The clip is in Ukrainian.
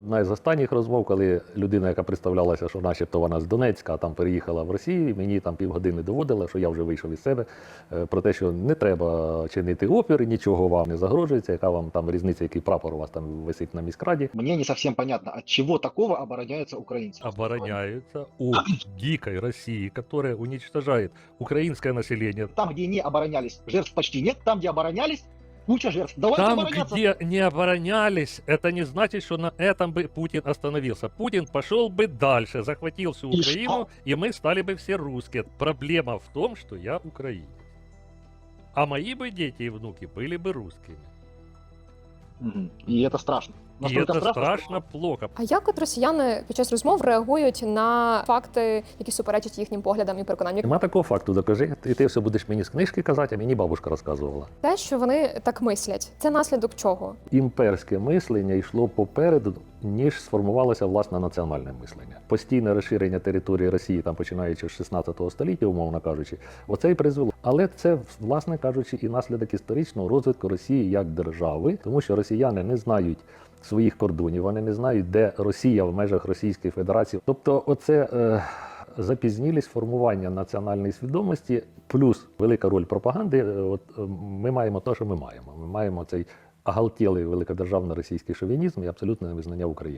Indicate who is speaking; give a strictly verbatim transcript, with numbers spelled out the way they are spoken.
Speaker 1: Одна із останніх розмов, коли людина, яка представлялася, що начебто вона з Донецька, а там переїхала в Росію, мені там півгодини доводила, що я вже вийшов із себе, е, про те, що не треба чинити опір, нічого вам не загрожується, яка вам там різниця, який прапор у вас там висить на міськраді.
Speaker 2: Мне не совсем понятно, от чего такого обороняются украинцы.
Speaker 1: Обороняются от дикой России, которая уничтожает украинское население.
Speaker 2: Там, где не оборонялись, жертв почти нет. Там, где оборонялись, куча жертв. Давайте
Speaker 1: Там,
Speaker 2: обороняться.
Speaker 1: где не оборонялись, это не значит, что на этом бы Путин остановился. Путин пошел бы дальше, захватил всю
Speaker 2: И
Speaker 1: Украину, и мы стали бы все русские. Проблема в том, что я украинец. А мои бы дети и внуки были бы русскими.
Speaker 2: Мгм. И это страшно.
Speaker 1: И
Speaker 2: Настолько
Speaker 1: это
Speaker 2: страшно,
Speaker 1: страшно плохо.
Speaker 3: А як от росіяни під час розмов реагують на факти, які суперечать їхнім поглядам і переконанням?
Speaker 1: Нема такого факту, докажи, і ти все будеш мені з книжки казати, а мені бабушка розказувала.
Speaker 3: Те, що вони так мислять, це наслідок чого?
Speaker 1: Імперське мислення йшло попереду, ніж сформувалося власне національне мислення. Постійне розширення території Росії, там починаючи з шістнадцятого століття, умовно кажучи, оце і призвело. Але це, власне кажучи, і наслідок історичного розвитку Росії як держави, тому що росіяни не знають своїх кордонів, вони не знають, де Росія в межах Російської Федерації. Тобто, оце е, запізнілість формування національної свідомості, плюс велика роль пропаганди. е, От е, ми маємо те, що ми маємо. Ми маємо цей оголтілий великодержавно-російський шовінізм і абсолютне невизнання України.